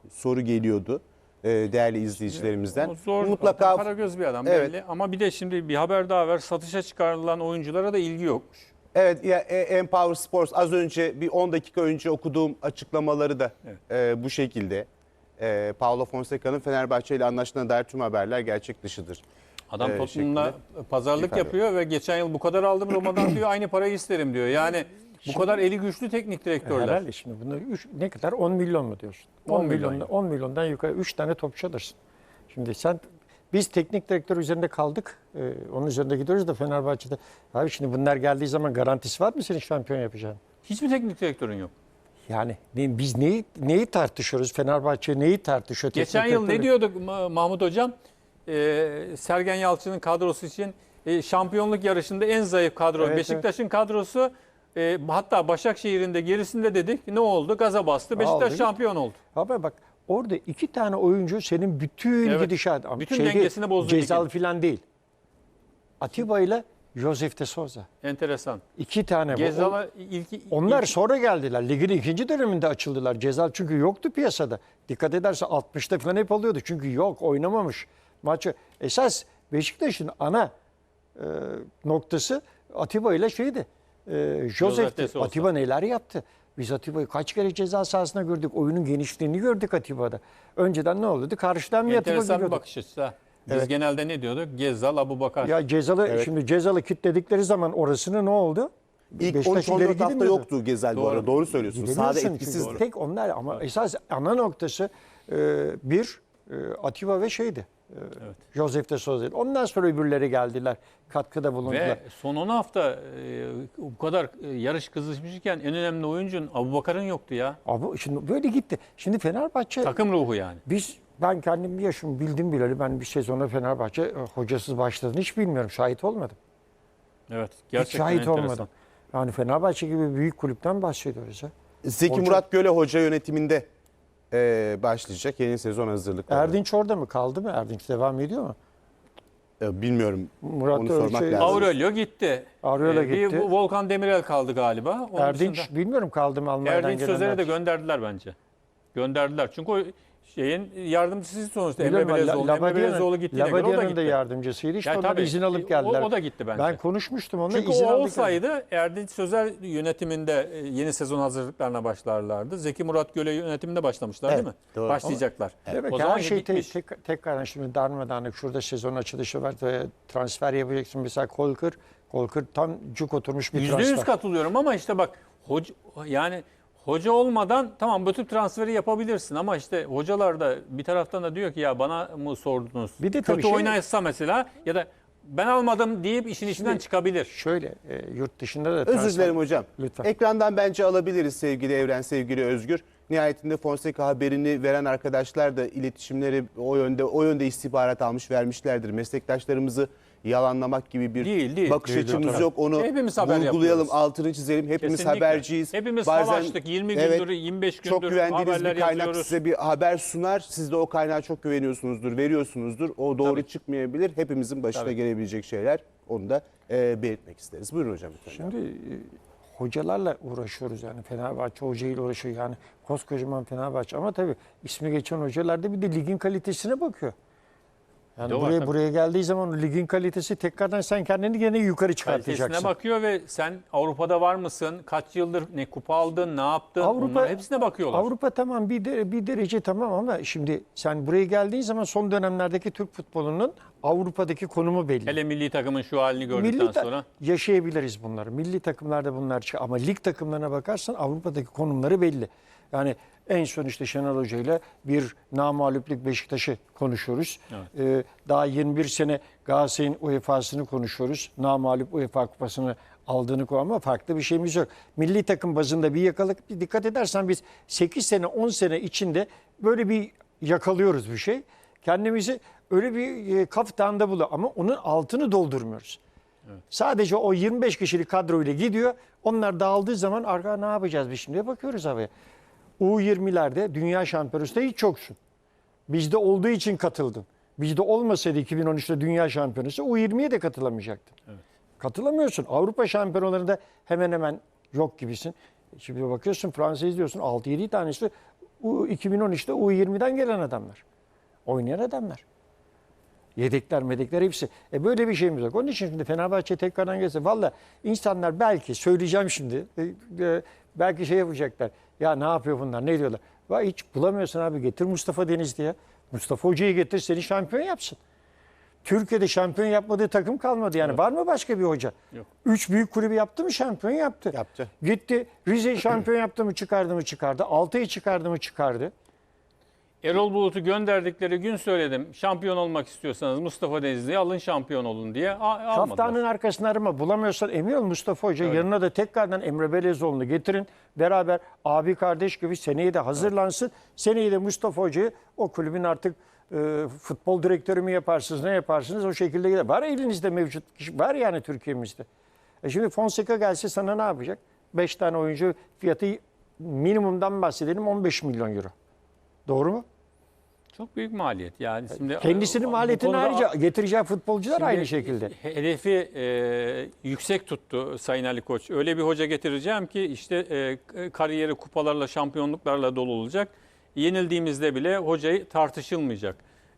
soru geliyordu değerli izleyicilerimizden. O zor, Mutlaka Karagöz bir adam Evet. belli. Ama bir de şimdi bir haber daha ver. Satışa çıkarılan oyunculara da ilgi yokmuş. Evet, ya Empower Sports az önce bir 10 dakika önce okuduğum açıklamaları da bu şekilde. Paulo Fonseca'nın Fenerbahçe ile anlaştığına dair tüm haberler gerçek dışıdır. Adam Tottenham'la şeklinde pazarlık ifade yapıyor ve geçen yıl bu kadar aldım Roma'dan diyor, aynı parayı isterim diyor. Yani bu kadar eli güçlü teknik direktörler. Herhalde şimdi bunu ne kadar 10 milyon mu diyorsun? 10 milyon. 10 milyondan yukarı 3 tane topçu alırsın. Şimdi biz teknik direktör üzerinde kaldık. Onun üzerinde gidiyoruz da Fenerbahçe'de. Abi şimdi bunlar geldiği zaman garantisi var mı senin şampiyon yapacağın? Hiçbir teknik direktörün yok. Yani biz neyi tartışıyoruz? Fenerbahçe neyi tartışıyor? Geçen yıl ne diyorduk Mahmut Hocam? Sergen Yalçın'ın kadrosu için şampiyonluk yarışında en zayıf kadro. Evet, Beşiktaş'ın kadrosu hatta Başakşehir'in de gerisinde dedik. Ne oldu? Gaza bastı. Beşiktaş Aldı. şampiyon oldu. Abi bak orada 2 tane oyuncu senin bütün Evet. gidişat. Bütün dengesini bozdu Cezal ligin. falan değil. Atiba ile Josef de Souza. Enteresan. 2 tane. Gezal'a Onlar sonra geldiler. Ligin ikinci döneminde açıldılar. Cezal çünkü yoktu piyasada. Dikkat ederse 60'ta falan hep oluyordu. Çünkü yok, oynamamış maçı. Esas Beşiktaş'ın ana noktası Atiba ile şeydi. Josef'ti. de Souza. Atiba neler yaptı? Biz Atiba'yı kaç kere ceza sahasında gördük. Oyunun genişliğini gördük Atiba'da. Önceden ne oluyordu? Karşıdan bir Atiba enteresan bir geliyordu. bakış açısı. Ha. Biz genelde ne diyorduk? Gezzal, Abubakar. Ya şimdi Cezal'ı kilitledikleri zaman orasını ne oldu? İlk Beşiktaş 13-14 ileri hafta gidemiyordu. yoktu Gezel bu Doğru. arada. Doğru söylüyorsunuz. Sahada Gidemiyorsun etkisizdi. çünkü. Tek onlar ama esas ana noktası Atiba ve şeydi. Josef de Souza. Ondan sonra öbürleri geldiler. Katkıda bulundular. Ve son 10 hafta bu kadar yarış kızışmışken en önemli oyuncun Abubakar'ın yoktu ya. Abi şimdi böyle gitti. Şimdi Fenerbahçe Takım ruhu yani. ben kendim bir yaşım bildim bileli ben bir sezona Fenerbahçe hocasız başladığını hiç bilmiyorum. Şahit olmadım. Evet. Hiç Gerçekten şahit enteresan. olmadım. Yani Fenerbahçe gibi büyük kulüpten bahsediyoruz ya. Zeki Hoca- Murat Göle hoca yönetiminde başlayacak yeni sezon hazırlıkları. Erdinç orada mı kaldı mı? Erdinç devam ediyor mu? Bilmiyorum. Murat Onu sormak lazım. Aurelio gitti. Aurelio Bir gitti. Volkan Demirel kaldı galiba. Onun Erdinç dışında bilmiyorum kaldı mı Almanya'dan Erdinç Sözer'e gelenler. de gönderdiler bence. Gönderdiler. Çünkü o şeyin yardımcısı sonuçta Emre Biliyorum, Belezoğlu. Emre Belezoğlu gittiğine göre o da Labadia'nın da gitti. yardımcısıydı. İşte Yani onlar tabii, izin alıp geldiler. O da gitti bence. Ben konuşmuştum onunla. Çünkü izin o aldık. olsaydı Erdinç Sözer yönetiminde yeni sezon hazırlıklarına başlarlardı. Zeki Murat Göle yönetiminde başlamışlar değil mi? doğru. Başlayacaklar. Demek O ki zaman her şey gitmiş. tekrardan şimdi darmadağınık. Şurada sezon açılışı var ve transfer yapacaksın. Mesela Kolkır tam cuk oturmuş bir transfer. %100 katılıyorum ama işte bak yani hoca olmadan tamam bu tip transferi yapabilirsin ama işte hocalar da bir taraftan da diyor ki ya bana mı sordunuz? Bir de tabii kötü oynaysa mesela ya da ben almadım deyip işin içinden çıkabilir. Şöyle yurt dışında da Özür dilerim hocam. Lütfen. Ekrandan bence alabiliriz sevgili Evren, sevgili Özgür. Nihayetinde Fonseca haberini veren arkadaşlar da iletişimleri o yönde istihbarat almış vermişlerdir. Meslektaşlarımızı yalanlamak gibi bir Değil. bakış Değil, açımız tabii. yok. Onu Hepimiz haber vurgulayalım, yapıyoruz. altını çizelim. Hepimiz Kesinlikle. haberciyiz. Hepimiz Bazen- savaştık. 20 gündür, Evet, 25 gündür çok güvendiğiniz haberler bir kaynak yazıyoruz. size bir haber sunar. Siz de o kaynağa çok güveniyorsunuzdur, veriyorsunuzdur. O doğru Tabii. çıkmayabilir. Hepimizin başına Tabii. gelebilecek şeyler. Onu da belirtmek isteriz. Buyurun hocam lütfen. Şimdi hocalarla uğraşıyoruz yani Fenerbahçe hocayla uğraşıyor yani koskocaman Fenerbahçe ama tabii ismi geçen hocalar da bir de ligin kalitesine bakıyor. Yani Doğru, buraya geldiği zaman ligin kalitesi tekrardan sen kendini gene yukarı çıkartacaksın. Kalitesine bakıyor ve sen Avrupa'da var mısın? Kaç yıldır ne kupa aldın, ne yaptın? Avrupa- Onların hepsine bakıyorlar. Avrupa tamam bir derece tamam ama şimdi sen buraya geldiğin zaman son dönemlerdeki Türk futbolunun Avrupa'daki konumu belli. Hele milli takımın şu halini gördükten sonra. Yaşayabiliriz bunları. Milli takımlarda bunlar çıkıyor. Ama lig takımlarına bakarsan Avrupa'daki konumları belli. Yani en son işte Şenol Hoca ile bir namağluplük Beşiktaş'ı konuşuyoruz. Daha 21 sene Galatasaray'ın UEFA'sını konuşuyoruz. Namağlup UEFA kupasını aldığını ama farklı bir şeyimiz yok. Milli takım bazında bir yakalık. Bir dikkat edersen biz 8 sene 10 sene içinde böyle bir yakalıyoruz bir şey. Kendimizi öyle bir kaftanda buluyor ama onun altını doldurmuyoruz. Sadece o 25 kişilik kadroyla gidiyor. Onlar dağıldığı zaman arka ne yapacağız biz şimdi bakıyoruz havaya. U20'lerde dünya şampiyonasında hiç yoksun. Bizde olduğu için katıldın. Bizde olmasaydı 2013'te dünya şampiyonası U20'ye de katılamayacaktın. Evet. Katılamıyorsun. Avrupa şampiyonalarında hemen hemen yok gibisin. Şimdi bakıyorsun Fransa izliyorsun 6-7 tanesi 2013'te U20'den gelen adamlar. Oynayan adamlar. Yedekler, medekler hepsi. Böyle bir şeyimiz yok. Onun için şimdi Fenerbahçe tekrardan gelse. Valla insanlar belki söyleyeceğim şimdi. Belki şey yapacaklar. Ya ne yapıyor bunlar? Ne diyorlar? Vay hiç bulamıyorsun abi. Getir Mustafa Denizli ya. Mustafa Hoca'yı getir seni şampiyon yapsın. Türkiye'de şampiyon yapmadığı takım kalmadı. Yani var mı başka bir hoca? Yok. 3 büyük kulübü yaptı mı şampiyon yaptı. Yaptı. Gitti Rize'yi şampiyon yaptı mı çıkardı mı çıkardı. Altay'ı çıkardı mı çıkardı. Erol Bulut'u gönderdikleri gün söyledim. Şampiyon olmak istiyorsanız Mustafa Denizli'yi alın şampiyon olun diye almadılar. Kaftanın arkasını arama. Bulamıyorsan emin ol Mustafa Hoca yanına da tekrardan Emre Belezoğlu'nu getirin. Beraber abi kardeş gibi seneye de hazırlansın. Seneye de Mustafa Hoca'yı o kulübün artık futbol direktörü mü yaparsınız ne yaparsınız o şekilde gider. Var elinizde mevcut kişi var yani Türkiye'mizde. Şimdi Fonseca gelse sana ne yapacak? 5 tane oyuncu fiyatı minimumdan bahsedelim 15 milyon euro. Doğru mu? Çok büyük maliyet. Yani şimdi Kendisinin bu maliyetini konuda- ayrıca getireceği futbolcular Şimdi aynı şekilde. Hedefi yüksek tuttu Sayın Ali Koç. Öyle bir hoca getireceğim ki işte kariyeri kupalarla, şampiyonluklarla dolu olacak. Yenildiğimizde bile hocayı tartışılmayacak.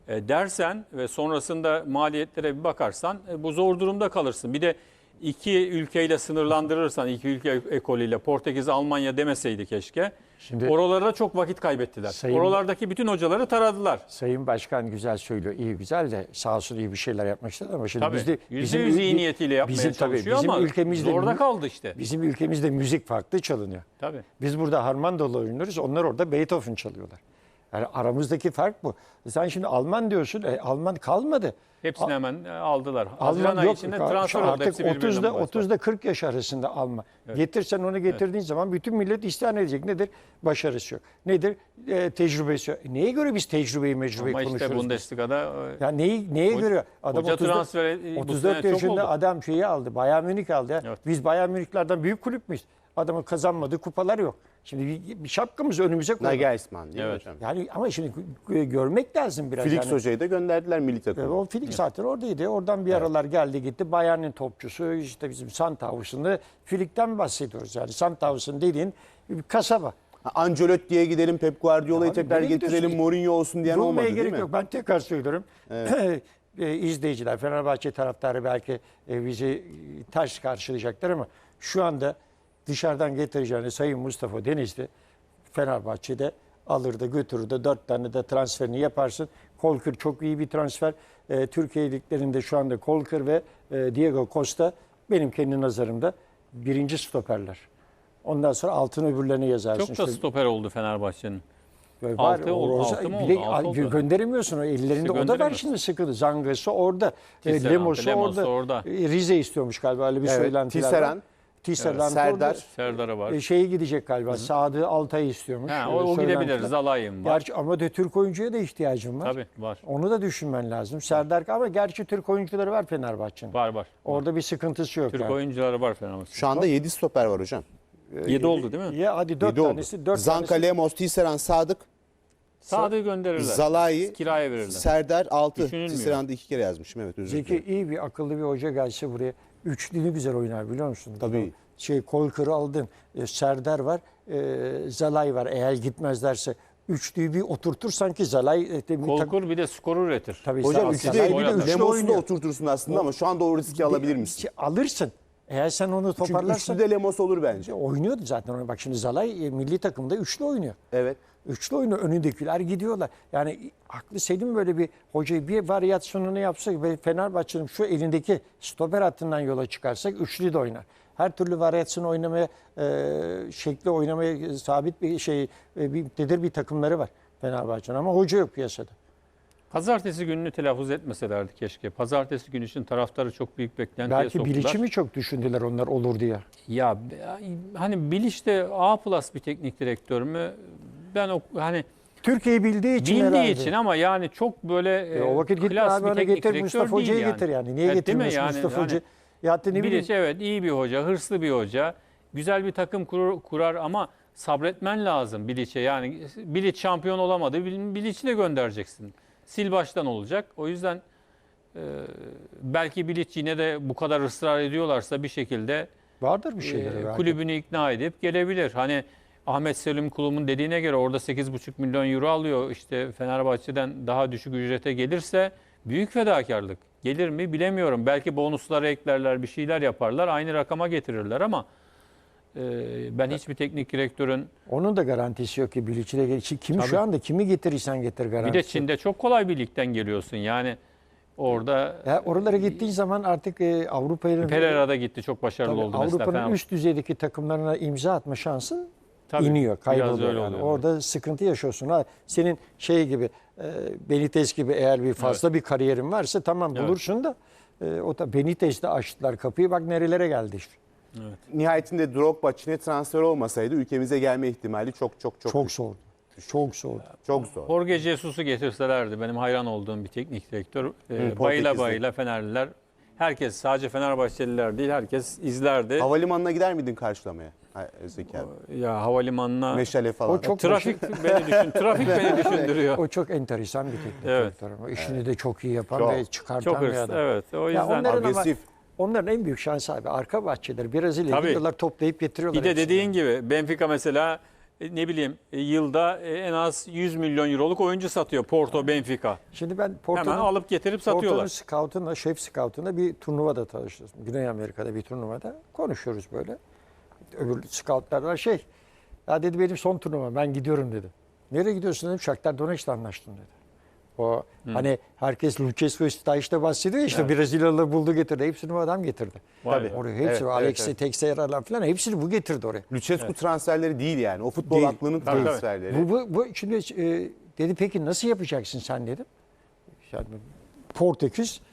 Dersen ve sonrasında maliyetlere bir bakarsan bu zor durumda kalırsın. Bir de iki ülkeyle sınırlandırırsan, iki ülke ekolüyle Portekiz, Almanya demeseydi keşke. Şimdi- Oralarda çok vakit kaybettiler. Sayın- Oralardaki bütün hocaları taradılar. Sayın Başkan güzel söylüyor. İyi güzel de sağ olsun iyi bir şeyler yapmak istedi ama şimdi Tabii. bizde %100 iyi niyetiyle yapmaya bizim, tabii, çalışıyor bizim ama ülkemizde zorda kaldı işte. Bizim ülkemizde müzik farklı çalınıyor. Tabii. Biz burada harmandalı oynuyoruz. Onlar orada Beethoven çalıyorlar. Yani aramızdaki fark bu. Sen şimdi Alman diyorsun. Alman kalmadı. Hepsini hemen aldılar. Haziran Alman ayı yok. içinde transfer oldu. Artık Hepsi birbirinden 30'da başlar. 30'da 40 yaş arasında Alman. Getirsen onu getirdiğin zaman bütün millet isyan edecek. Nedir? Başarısı yok. Nedir? Tecrübesi yok. Neye göre biz tecrübeyi Ama konuşuyoruz? işte biz? Bundesliga'da Ya neye göre? Adam hoca 34 transferi bu 34 sene çok yaşında oldu. adam şeyi aldı. Bayern Münih aldı. Ya. Evet. Biz Bayern Münihlerden büyük kulüp müyüz? Adamın kazanmadığı kupalar yok. Şimdi bir şapkamızı önümüze koyalım. Nagelsmann değil mi Evet. hocam? Yani ama şimdi görmek lazım biraz. Felix yani. Hoca'yı da gönderdiler milli takıma. O Felix zaten oradaydı. Oradan bir aralar geldi gitti. Bayern'in topçusu işte bizim Sandhausen'da Filik'ten bahsediyoruz. Yani Sandhausen dediğin bir kasaba. Ancelotti'ye gidelim, Pep Guardiola'yı Ya tekrar nereye getirelim, gidiyorsun? Mourinho olsun diyen olmadı Durmaya değil gerek mi? yok. Ben tekrar söylüyorum. İzleyiciler, Fenerbahçe taraftarı belki bizi ters karşılayacaklar ama şu anda dışarıdan getireceğini Sayın Mustafa Denizli Fenerbahçe'de alır da götürür de 4 tane de transferini yaparsın. Kolkır çok iyi bir transfer. Türkiye liglerinde şu anda Kolkır ve Diego Costa benim kendi nazarımda birinci stoperler. Ondan sonra altın öbürlerini yazarsın. Çok da İşte stoper oldu Fenerbahçe'nin. var, Altı oldu, Roza- altı mı bir de oldu? Altı oldu. gönderemiyorsun o ellerinde. O da var gönderemiyorsun. şimdi sıkıntı. Zangası orada. Tisserand, Lemos'u Lemos orada. orada. Rize istiyormuş galiba öyle bir Evet, söylentiler Tisserand. var. Tisserand Serdar. orada. Serdar'a var. Şeyi gidecek galiba. Sadı Altay'ı istiyormuş. Ha, Öyle o gidebilir. söylentiler. Zalayım var. Gerçi ama de Türk oyuncuya da ihtiyacım var. Tabii var. Onu da düşünmen lazım. Serdar ama gerçi Türk oyuncuları var Fenerbahçe'nin. Var. Orada bir sıkıntısı yok. Türk yani. oyuncuları var Fenerbahçe'nin. Şu anda 7 stoper var hocam. 7 oldu değil mi? Ya hadi 4 7 oldu. tanesi. 4 Zanka, tanesi. Lemos, Tisserand, Sadık, Sadık'ı gönderirler. Zalai, Kiraya verirler. Serdar 6. Düşünülmüyor. Tisserand'ı 2 kere yazmışım, evet, özür Zeki dilerim. iyi bir akıllı bir hoca gelse buraya üçlü ne güzel oynar biliyor musun? Tabii. Kolkır'ı aldın. Serdar var. Zalay var. Eğer gitmezlerse üçlüyü bir oturtursan ki Zalay Kolkur bir de skoru üretir. tabii Hocam Zalay- üçlü Zalay değil, bir de oynadı. üçlü Lemos'u da oynuyor. oturtursun aslında ama şu anda o riski alabilir misin? Alırsın. Eğer sen onu Çünkü toparlarsan üçlü de Lemos olur bence. oynuyordu zaten. Bak şimdi Zalay milli takımda üçlü oynuyor. Evet. Üçlü oyunu önündekiler gidiyorlar. Yani aklı selim böyle bir hocayı bir varyasyonunu yapsak ve Fenerbahçe'nin şu elindeki stoper hattından yola çıkarsak üçlü de oynar. Her türlü varyasyonu oynamaya, şekli oynamaya sabit bir bir takımları var Fenerbahçe'nin ama hoca yok piyasada. Pazartesi gününü telaffuz etmeselerdi keşke. Pazartesi günü için taraftarı çok büyük beklentiye Belki soktular. Bilic'i mi çok düşündüler onlar olur diye. Ya hani Bilic de A+ bir teknik direktör mü? Ben hani Türkiye'yi bildiği için bildiği herhalde. için ama yani çok böyle O vakit gitme klas abi bir ona teknik getir direktör Mustafa değil Hoca'yı yani. getir yani. Niye Evet, değil mi? getirmiyorsun Yani Mustafa hani Hoca? Ya ne bileyim. Bilic evet iyi bir hoca, hırslı bir hoca. Güzel bir takım kurar ama sabretmen lazım Bilic'e. Yani Bilic şampiyon olamadı. Bilic'i de göndereceksin. Sil baştan olacak. O yüzden belki Bilic yine de bu kadar ısrar ediyorlarsa bir şekilde Vardır bir şeyleri belki. kulübünü ikna edip gelebilir. Hani Ahmet Selim Kulum'un dediğine göre orada 8,5 milyon euro alıyor. İşte Fenerbahçe'den daha düşük ücrete gelirse büyük fedakarlık. Gelir mi bilemiyorum. Belki bonusları eklerler, bir şeyler yaparlar. Aynı rakama getirirler ama ben hiçbir teknik direktörün... Onun da garantisi yok ki Bilic'le. Kimi Tabii. şu anda kimi getirirsen getir Bir garantisi. de Çin'de çok kolay bir ligden geliyorsun. Yani orada Ya oralara gittiğin zaman artık Avrupa'nın Pereira'da gitti. Çok başarılı oldu mesela. Avrupa'nın üst düzeydeki takımlarına imza atma şansın Tabii, iniyor, biraz kayboluyor. öyle Yani. oluyor. Orada sıkıntı yaşıyorsun. Ha, senin şey gibi Benitez gibi eğer bir fazla bir kariyerin varsa tamam Evet. bulursun da o da Benitez'de açtılar kapıyı. Bak nerelere geldi işte. Nihayetinde Drogba Çin'e transfer olmasaydı ülkemize gelme ihtimali çok Çok zordu. Çok zordu. çok zor. Jorge Jesus'u getirselerdi. Benim hayran olduğum bir teknik direktör. Bayıla Portekizli. bayıla Fenerliler. Herkes, sadece Fenerbahçeliler değil, herkes izlerdi. Havalimanına gider miydin karşılamaya? Zeki abi. Ya havalimanına Meşale falan. O çok trafik beni düşündürüyor. O çok enteresan bir teknik Evet. direktör ama işini de çok iyi yapan Çok. ve çıkartan Çok bir hırslı. adam. Evet. O Ya yüzden. onların ama Agresif. onların en büyük şansı abi arka bahçeleri Brezilya'ya Tabii. gidiyorlar toplayıp getiriyorlar. Bir de hepsini. dediğin gibi Benfica mesela ne bileyim yılda en az 100 milyon euroluk oyuncu satıyor Porto, Benfica. Şimdi ben Hemen Porto'nun alıp getirip Porto'nun satıyorlar. scout'unla, şef scout'unla bir turnuvada tanıştık. Güney Amerika'da bir turnuvada konuşuyoruz böyle. Öbür scout'lardan ya dedi benim son turnuva ben gidiyorum dedi. Nereye gidiyorsun dedim. Shakhtar Donetsk'le anlaştım dedi. O hani herkes Lucescu Staj'da bahsediyor ya, işte Brezilyalıları buldu getirdi. Hepsini bu adam getirdi. Vay be. Oraya hepsi Evet, Alexi evet. Teixeira'lar falan hepsini bu getirdi oraya. Lucescu transferleri değil yani. O futbol Değil. aklının Tabii, transferleri. Bu şimdi dedi peki nasıl yapacaksın sen dedim. Yani Portekiz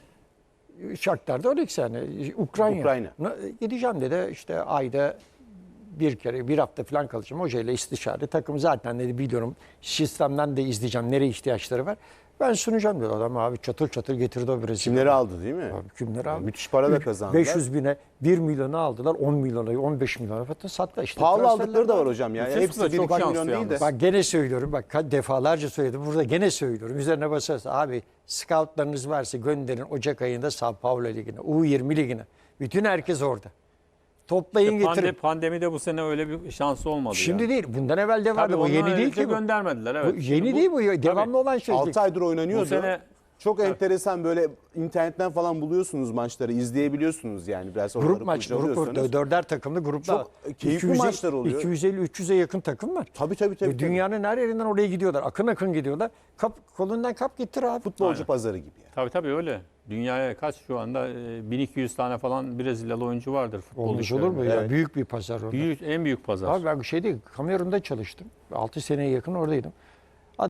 Shakhtar Donetsk yani Ukrayna. Gideceğim dedi işte ayda bir kere bir hafta falan kalacağım hocayla istişare. Takım zaten dedi biliyorum sistemden de izleyeceğim nereye ihtiyaçları var. Ben sunacağım dedi adam abi çatır çatır getirdi o Brezilya. Kimleri aldı değil mi? Abi kimleri aldı? Müthiş para da kazandılar. 500 bine 1 milyonu aldılar 10 milyona 15 milyona hatta sattı işte. Pahalı Transferler aldıkları da var var. hocam yani. Lucescu Hepsi da çok 1-2 şanslı milyon değil de. yalnız. Bak gene söylüyorum bak defalarca söyledim burada gene söylüyorum üzerine basarsa abi scoutlarınız varsa gönderin Ocak ayında Sao Paulo Ligi'ne U20 Ligi'ne bütün herkes orada toplayın getirin. Pandemide bu sene öyle bir şansı olmadı. Şimdi ya. değil bundan evvel de vardı Tabii bu yeni onlar değil önce ki bu. göndermediler. Evet. Bu Şimdi yeni değil bu devamlı olan şey. 6 aydır oynanıyordu. Bu sene- çok enteresan böyle internetten falan buluyorsunuz maçları, izleyebiliyorsunuz yani biraz oraları Grup maç, kurcalıyorsanız. dörder takımlı gruplar. Çok keyifli maçlar oluyor. 250-300'e yakın takım var. Tabii. Ve dünyanın her yerinden oraya gidiyorlar. Akın akın gidiyorlar. Kolundan kap getir abi. Futbolcu Aynen. pazarı gibi yani. Tabii öyle. Dünyaya kaç şu anda 1200 tane falan Brezilyalı oyuncu vardır futbol Olmuş olur mu? liglerinde. Ya? Evet. Büyük bir pazar orada. En büyük pazar. Abi ben Kamerun'da çalıştım. 6 seneye yakın oradaydım.